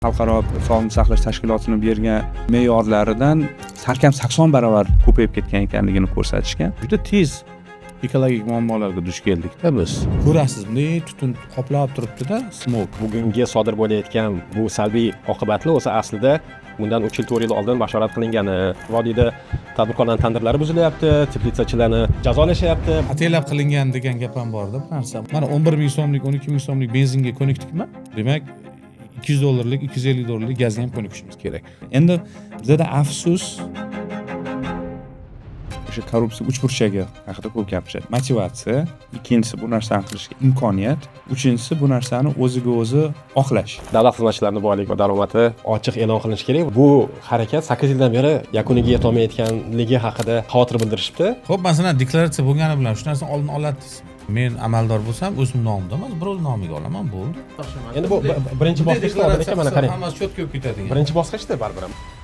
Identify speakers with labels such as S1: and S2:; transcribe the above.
S1: xalqaro sog'liqni saqlash tashkilotining bergan me'yorlaridan salkam 80 barobar ko'payib ketgan ekanligini ko'rsatishgan.
S2: Juda tez ekologik muammolarga duch keldikda biz. Ko'rasiz, bunday tutun qoplab turibdi-da, smog.
S3: Bugungi sodir bo'layotgan bu salbiy oqibatlar o'zi aslida bundan 3 yil 4 yil oldin bashorat qilingani. Vodiyda tadbirkorlarning tandirlari buzilyapti, teplitsachilarni jazolashyapti.
S2: Ataylab qilingan degan gap ham bor-da, bu narsa. Mana 11 ming so'mlik, 12 ming so'mlik benzinga ko'nikdikmi? Demak, $200, $250 gazga ham ko'nikishimiz kerak. Endi bizda afsus
S1: O'sha korrupsiya uchburchagi haqida ko'p gapirishadi. Motivatsiya, ikkinchisi bu narsani qilishga imkoniyat, uchinchisi bu narsani o'ziga o'zi oqlash.
S3: Davlat xizmatchilarining boylik va daromadi ochiq e'lon qilinishi kerak. Bu harakat 8 yildan beri yakuniga yetolmayotganligi haqida xavotir bildirishibdi.
S2: Xo'p, masalan, deklaratsiya bo'lgani bilan shu narsani oldin olasiz. Men amaldor bo'lsam, o'zim nomimda emas, birov nomiga olaman, bo'ldi.
S3: Endi bu birinchi bosqichda mana qarang.
S2: Hammasi cho'tka bo'lib ketadi.
S3: Birinchi bosqichda baribir ham.